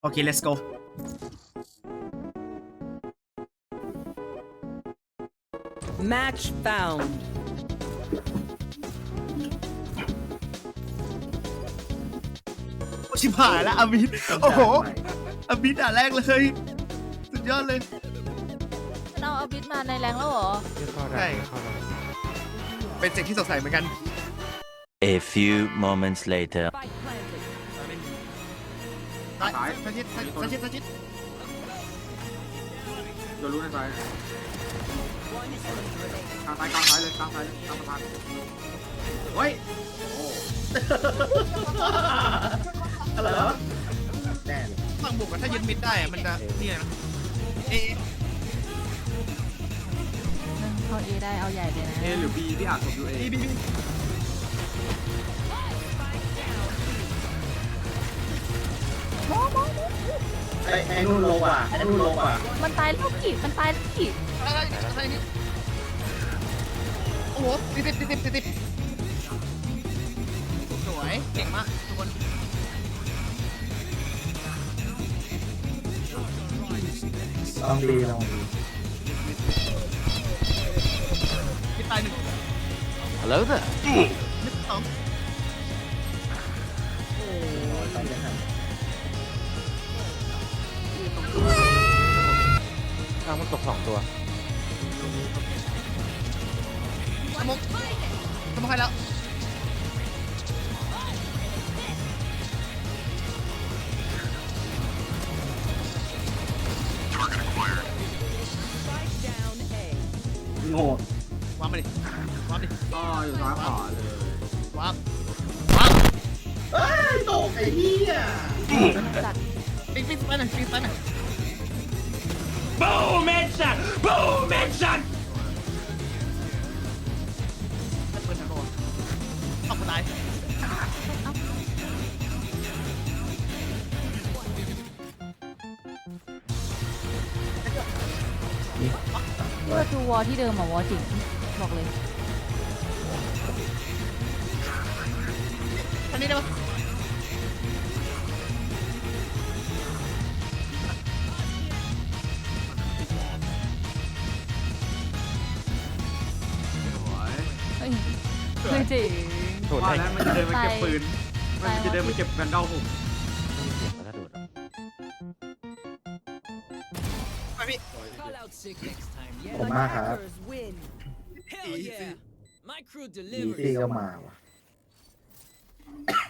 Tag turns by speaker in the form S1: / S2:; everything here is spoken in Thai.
S1: โอเค let's go
S2: Match found.
S1: ชิบหายแล้วอามิดโอ้โหอามิดด่าแรกเลยสุดยอดเลย
S3: มันเอาอาบิสมาในแรงแล้วเหรอ
S1: ใช่เป็นสิ่งที่สงสัยเหมือนกัน
S4: A few moments later.
S1: ซ้ายสักชิดสักชิดสักชิด
S5: โดนรู้ในซ้ายกลางซ้ายเลยกลางซ้ายกลางสะพานเฮ้ยโอ้
S1: อะไรวะแน่ฝั่งบุกถ้ายึดมิดได้อะมันจะนี่นะเอ
S3: เข้าเอได้เอาใหญ่เลยนะ
S5: เอหรือบีที่อ่านผมดูเอ
S1: บี
S6: ไอ้นู่นลงว่ะไอ้นู่นลงว่ะ
S3: มันตายแล้วกี่มันตายแล้วกี่
S1: อะไรนี่โอ้โหติดสวยเก่งมากทุกคน
S6: ลองดีลองดี
S1: มิดตายหนึ่ง
S4: Hello there.
S1: มิดสอง
S6: ต้องยังไง
S4: มันตก2 ตัว
S1: สมองใครแล้ว
S6: โง่
S1: วางมาดิวางดิ
S5: ก็อยู่ซ้ายขวาเลยว
S1: าง
S6: เอ้ยตกไอ้เหี้ย
S3: จัด
S1: ปิ๊งไปหน่อยปิ๊งไปหน่อย
S4: Boom headshot. Boom headshot.
S1: ถ้าเปิดทันโดนเอาคนตาย
S3: เพื่อดูวอลที่เดิมอะวอลจริงบอกเลย
S1: ทันนี้ได้ปะ
S5: สวย
S3: เฮ้ยไม่จริง
S5: ว่าแล้วมันจะเดินมาเก็บปืนมันจะเดินมาเก็บแวนดอลผม
S1: ไปพี่
S2: Call out sick next time.
S6: ผมมากครับ
S2: Hackers win. Hell yeah. My crew
S6: ดี
S2: delivers.
S6: ซี่ก็มาว่ะ